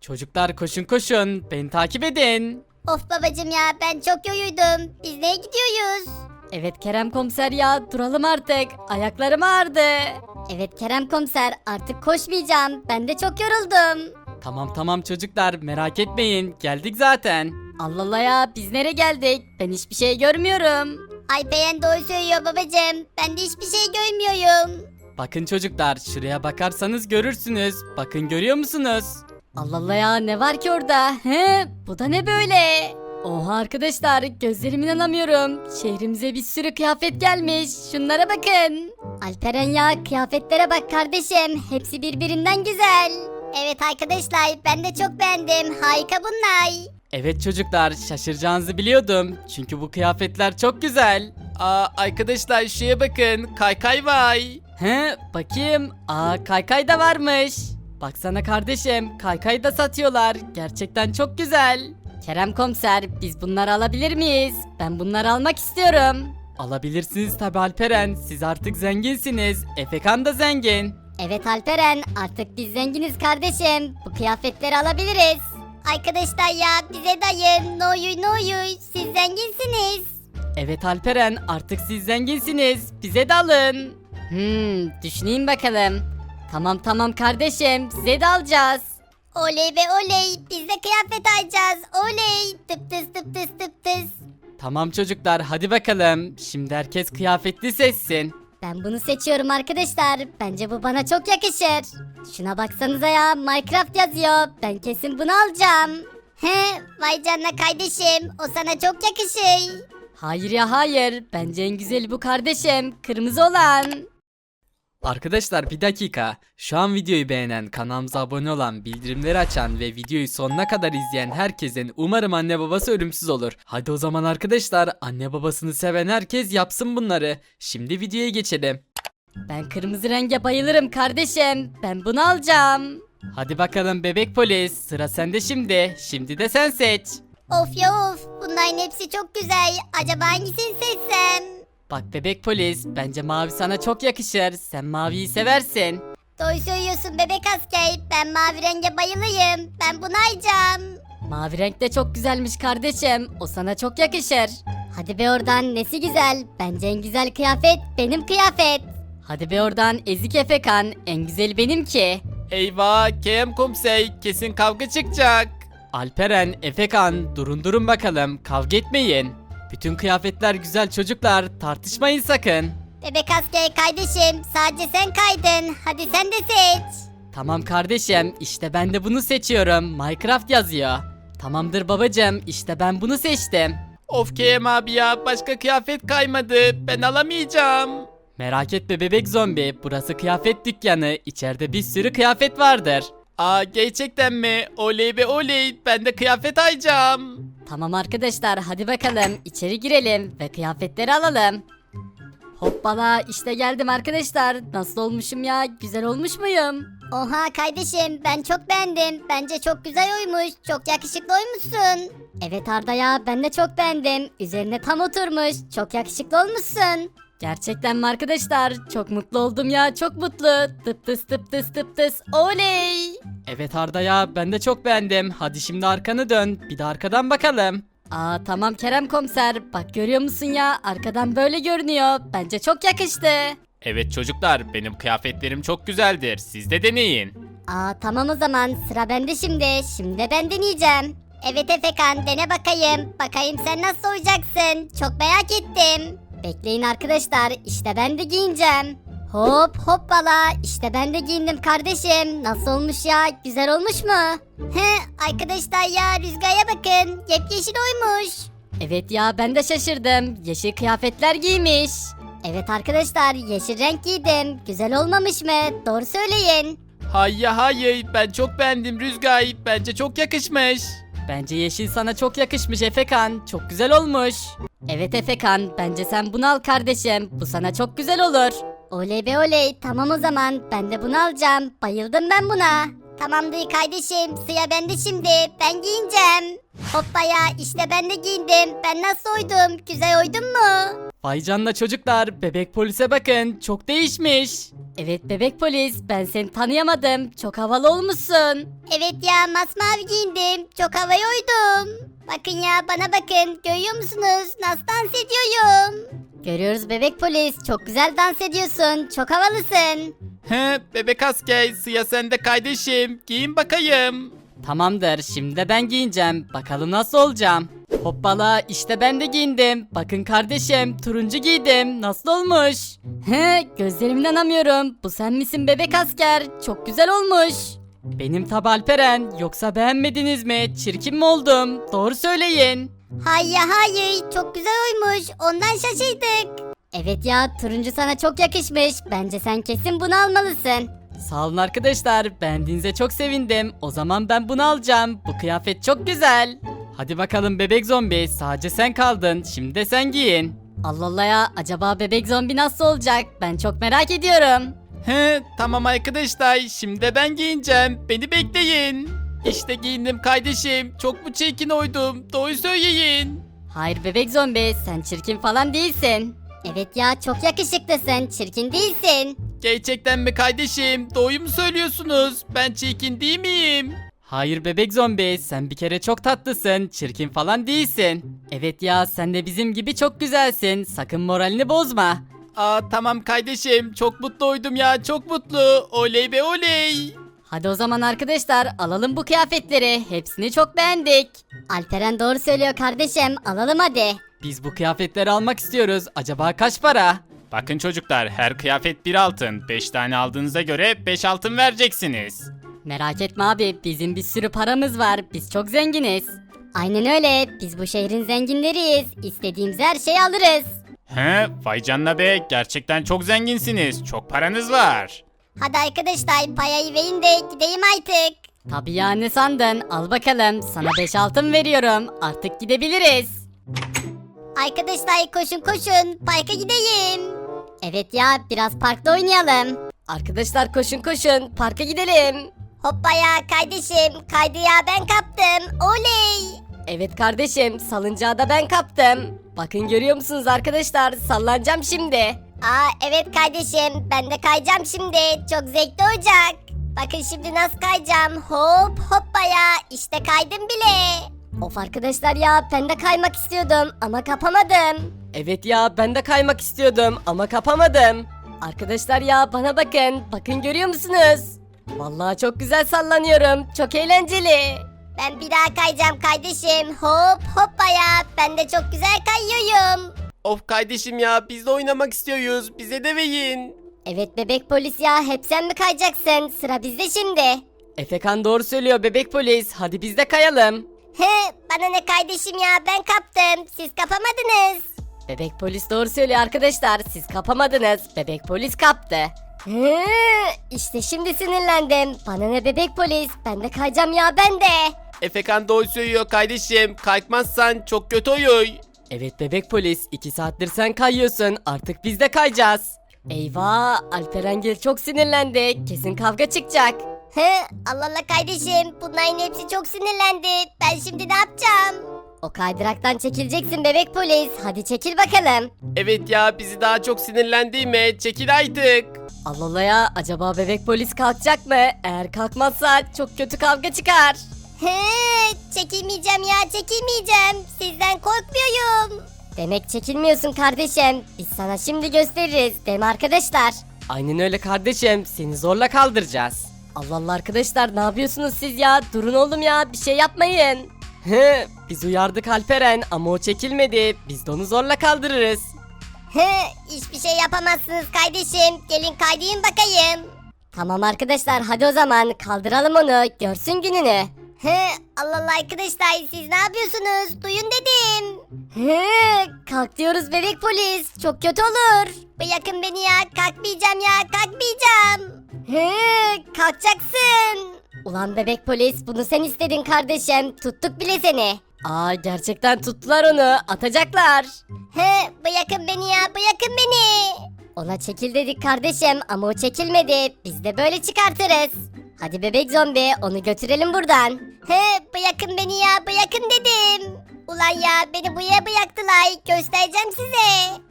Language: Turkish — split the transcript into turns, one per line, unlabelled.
Çocuklar koşun koşun, beni takip edin.
Of babacım ya, ben çok yoruldum. Biz neye gidiyoruz?
Evet Kerem komiser ya, duralım artık. Ayaklarım ağrıdı.
Evet Kerem komiser, artık koşmayacağım. Ben de çok yoruldum.
Tamam çocuklar, merak etmeyin, geldik zaten.
Allah Allah ya, biz nereye geldik? Ben hiçbir şey görmüyorum.
Alperen doğru söylüyor babacım. Ben de hiçbir şey görmüyorum.
Bakın çocuklar, şuraya bakarsanız görürsünüz. Bakın, görüyor musunuz?
Allah Allah ya, ne var ki orada? He, bu da ne böyle? Oha arkadaşlar, gözlerime inanamıyorum. Şehrimize bir sürü kıyafet gelmiş. Şunlara bakın.
Alperen ya, kıyafetlere bak kardeşim. Hepsi birbirinden güzel. Evet arkadaşlar, ben de çok beğendim. Harika bunlar.
Evet çocuklar, şaşıracağınızı biliyordum. Çünkü bu kıyafetler çok güzel. Arkadaşlar şuraya bakın, kaykay vay.
He, bakayım. Kaykay da varmış. Baksana kardeşim, kaykay da satıyorlar. Gerçekten çok güzel. Kerem komiser, biz bunları alabilir miyiz? Ben bunları almak istiyorum.
Alabilirsiniz tabi Alperen, siz artık zenginsiniz. Efekan da zengin.
Evet Alperen, artık biz zenginiz kardeşim. Bu kıyafetleri alabiliriz. Arkadaşlar ya, bize dayın. Ne olur, siz zenginsiniz.
Evet Alperen, artık siz zenginsiniz. Bize de alın.
Düşüneyim bakalım. Tamam kardeşim, size de alacağız.
Oley ve oley, biz de kıyafet alacağız. Oley, tıp tıs tıp tıs tıp tıs.
Tamam çocuklar, hadi bakalım. Şimdi herkes kıyafetli seçsin.
Ben bunu seçiyorum arkadaşlar. Bence bu bana çok yakışır. Şuna baksanıza ya, Minecraft yazıyor. Ben kesin bunu alacağım. He, vay canına kardeşim. O sana çok yakışır.
Hayır ya hayır, bence en güzeli bu kardeşim, kırmızı olan.
Arkadaşlar bir dakika. Şu an videoyu beğenen, kanalımıza abone olan, bildirimleri açan ve videoyu sonuna kadar izleyen herkesin umarım anne babası ölümsüz olur. Hadi o zaman arkadaşlar, anne babasını seven herkes yapsın bunları. Şimdi videoya geçelim.
Ben kırmızı renge bayılırım kardeşim, ben bunu alacağım.
Hadi bakalım bebek polis, sıra sende şimdi. Şimdi de sen seç.
Of ya of, bunların hepsi çok güzel. Acaba hangisini seçsem?
Bak bebek polis, bence mavi sana çok yakışır. Sen maviyi seversin.
Doğru söylüyorsun bebek asker. Ben mavi renge bayılıyım. Ben bunu alacağım.
Mavi renk de çok güzelmiş kardeşim, o sana çok yakışır.
Hadi be oradan, nesi güzel? Bence en güzel kıyafet benim kıyafet.
Hadi be oradan ezik Efekan, en güzeli benimki.
Eyvah, KM komiser, kesin kavga çıkacak. Alperen, Efekan, durun bakalım, kavga etmeyin. Bütün kıyafetler güzel çocuklar, tartışmayın sakın.
Bebek asker kardeşim, sadece sen kaydın. Hadi sen de seç.
Tamam kardeşim, işte ben de bunu seçiyorum. Minecraft yazıyor. Tamamdır babacığım, işte ben bunu seçtim. Of KM abi ya, başka kıyafet kaymadı. Ben alamayacağım. Merak etme bebek zombi, burası kıyafet dükkanı. İçeride bir sürü kıyafet vardır. Gerçekten mi? Oley be oley, ben de kıyafet alacağım.
Tamam arkadaşlar, hadi bakalım içeri girelim ve kıyafetleri alalım. Hoppala, işte geldim arkadaşlar. Nasıl olmuşum ya? Güzel olmuş muyum?
Oha kardeşim, ben çok beğendim. Bence çok güzel oymuş. Çok yakışıklı oymuşsun. Evet Arda ya, ben de çok beğendim. Üzerine tam oturmuş. Çok yakışıklı olmuşsun.
Gerçekten mi arkadaşlar? Çok mutlu oldum ya, çok mutlu. Tıp tıs tıp tıs tıp tıs. Oley!
Evet Arda ya, ben de çok beğendim. Hadi şimdi arkanı dön, bir de arkadan bakalım.
Tamam Kerem komiser. Bak görüyor musun ya? Arkadan böyle görünüyor. Bence çok yakıştı.
Evet çocuklar, benim kıyafetlerim çok güzeldir. Siz de deneyin.
Tamam o zaman, sıra bende şimdi. Şimdi de ben deneyeceğim. Evet Efekan, dene bakayım. Bakayım sen nasıl olacaksın. Çok merak ettim. Bekleyin arkadaşlar, işte ben de giyineceğim. Hop hoppala, işte ben de giyindim kardeşim. Nasıl olmuş ya, güzel olmuş mu? He arkadaşlar ya, rüzgara bakın, yepyeşil oymuş.
Evet ya, ben de şaşırdım. Yeşil kıyafetler giymiş.
Evet arkadaşlar, yeşil renk giydim. Güzel olmamış mı? Doğru söyleyin.
Hayır, ben çok beğendim Rüzgar. Bence çok yakışmış. Bence yeşil sana çok yakışmış Efekan. Çok güzel olmuş.
Evet Efekan, bence sen bunu al kardeşim. Bu sana çok güzel olur.
Oley be oley, tamam o zaman, ben de bunu alacağım. Bayıldım ben buna. Tamamdır kardeşim, sıra bende şimdi. Ben giyineceğim. Hoppa ya, işte ben de giyindim. Ben nasıl oydum? Güzel oydum mu?
Vay canına çocuklar, bebek polise bakın, çok değişmiş.
Evet bebek polis, ben seni tanıyamadım. Çok havalı olmuşsun.
Evet ya, masmavi giyindim. Çok havaya uydum. Bakın ya, bana bakın. Görüyor musunuz? Nasıl dans ediyorum? Görüyoruz bebek polis. Çok güzel dans ediyorsun. Çok havalısın.
He, bebek asker, sıra sende kardeşim. Giyin bakayım. Tamamdır, şimdi de ben giyineceğim. Bakalım nasıl olacağım. Hoppala, işte ben de giyindim. Bakın kardeşim, turuncu giydim. Nasıl olmuş?
He, gözlerimden inanamıyorum. Bu sen misin bebek asker? Çok güzel olmuş.
Benim tabi Alperen. Yoksa beğenmediniz mi? Çirkin mi oldum? Doğru söyleyin.
Hayır hayır, çok güzel olmuş. Ondan şaşırdık. Evet ya, turuncu sana çok yakışmış. Bence sen kesin bunu almalısın.
Sağ olun arkadaşlar. Beğendiğinize çok sevindim. O zaman ben bunu alacağım. Bu kıyafet çok güzel. Hadi bakalım bebek zombi. Sadece sen kaldın. Şimdi de sen giyin.
Allah Allah ya, acaba bebek zombi nasıl olacak? Ben çok merak ediyorum.
He, tamam arkadaşlar. Şimdi de ben giyineceğim. Beni bekleyin. İşte giyindim kardeşim. Çok mu çirkin oydum? Doğru söyleyin.
Hayır bebek zombi, sen çirkin falan değilsin.
Evet ya, çok yakışıklısın. Çirkin değilsin.
Gerçekten mi kardeşim? Doğru mu söylüyorsunuz? Ben çirkin değil miyim? Hayır bebek zombi, sen bir kere çok tatlısın, çirkin falan değilsin. Evet ya, sen de bizim gibi çok güzelsin, sakın moralini bozma. Aa tamam kardeşim, çok mutlu oydum ya, çok mutlu. Oley be oley.
Hadi o zaman arkadaşlar, alalım bu kıyafetleri. Hepsini çok beğendik.
Alperen doğru söylüyor kardeşim. Alalım hadi.
Biz bu kıyafetleri almak istiyoruz. Acaba kaç para? Bakın çocuklar, her kıyafet bir altın. 5 tane aldığınıza göre 5 altın vereceksiniz.
Merak etme abi, bizim bir sürü paramız var. Biz çok zenginiz.
Aynen öyle. Biz bu şehrin zenginleriyiz. İstediğimiz her şeyi alırız.
He, vay canına be, gerçekten çok zenginsiniz. Çok paranız var.
Hadi arkadaşlar, payayı verin de gideyim artık.
Tabii ya, ne sandın? Al bakalım, sana 5 altın veriyorum. Artık gidebiliriz.
Arkadaşlar koşun koşun. Parka gideyim. Evet ya, biraz parkta oynayalım.
Arkadaşlar koşun koşun, parka gidelim.
Hoppa ya kardeşim. Kaydı ya, ben kaptım. Oley.
Evet kardeşim, salıncağı da ben kaptım. Bakın görüyor musunuz arkadaşlar, sallanacağım şimdi.
Aa evet kardeşim, ben de kayacağım şimdi. Çok zevkli olacak. Bakın şimdi nasıl kayacağım. Hop hoppa ya, işte kaydım bile. Of arkadaşlar ya, ben de kaymak istiyordum ama kapamadım.
Evet ya, ben de kaymak istiyordum ama kapamadım. Arkadaşlar ya, bana bakın, bakın görüyor musunuz? Vallahi çok güzel sallanıyorum, çok eğlenceli.
Ben bir daha kayacağım kardeşim. Hop hoppa ya, ben de çok güzel kayıyorum.
Of kardeşim ya, biz de oynamak istiyoruz. Bize de verin.
Evet bebek polis ya, hep sen mi kayacaksın? Sıra bizde şimdi.
Efekan doğru söylüyor bebek polis, hadi biz de kayalım.
He, bana ne kardeşim ya, ben kaptım. Siz kapamadınız.
Bebek polis doğru söylüyor arkadaşlar, siz kapamadınız, bebek polis kaptı.
He, işte şimdi sinirlendim. Bana ne bebek polis, ben de kayacağım ya, ben de.
Efekan doğru söylüyor kardeşim. Kalkmazsan çok kötü olur. Evet bebek polis, 2 saattir sen kayıyorsun. Artık biz de kayacağız.
Eyvah, Alperengil çok sinirlendi, kesin kavga çıkacak.
He, Allah Allah kardeşim, bunların hepsi çok sinirlendi. Ben şimdi ne yapacağım? O kaydıraktan çekileceksin bebek polis. Hadi çekil bakalım.
Evet ya, bizi daha çok sinirlendirme. Çekil artık.
Allah Allah ya, acaba bebek polis kalkacak mı? Eğer kalkmazsa çok kötü kavga çıkar.
He, çekilmeyeceğim ya, çekilmeyeceğim. Sizden korkmuyorum. Demek çekilmiyorsun kardeşim. Biz sana şimdi gösteririz, değil mi arkadaşlar?
Aynen öyle kardeşim, seni zorla kaldıracağız. Allah Allah arkadaşlar, ne yapıyorsunuz siz ya? Durun oğlum ya, bir şey yapmayın. He, biz uyardık Alperen ama o çekilmedi. Biz de onu zorla kaldırırız.
He, hiçbir şey yapamazsınız kardeşim. Gelin kaydayım bakayım. Tamam arkadaşlar, hadi o zaman kaldıralım onu. Görsün gününü. He, Allah Allah arkadaşlar, siz ne yapıyorsunuz? Duyun dedim. He, kalk diyoruz bebek polis. Çok kötü olur. Bırakın beni ya. Kalkmayacağım ya. Kalkmayacağım. He, kalkacaksın. Ulan bebek polis, bunu sen istedin kardeşim. Tuttuk bile seni.
Aa, gerçekten tuttular onu, atacaklar.
He, bırakın beni ya, bırakın beni. Ona çekil dedik kardeşim ama o çekilmedi. Biz de böyle çıkartırız. Hadi bebek zombi, onu götürelim buradan. He, bırakın beni ya, bırakın dedim. Ulan ya, beni buraya bıraktılar. Göstereceğim size.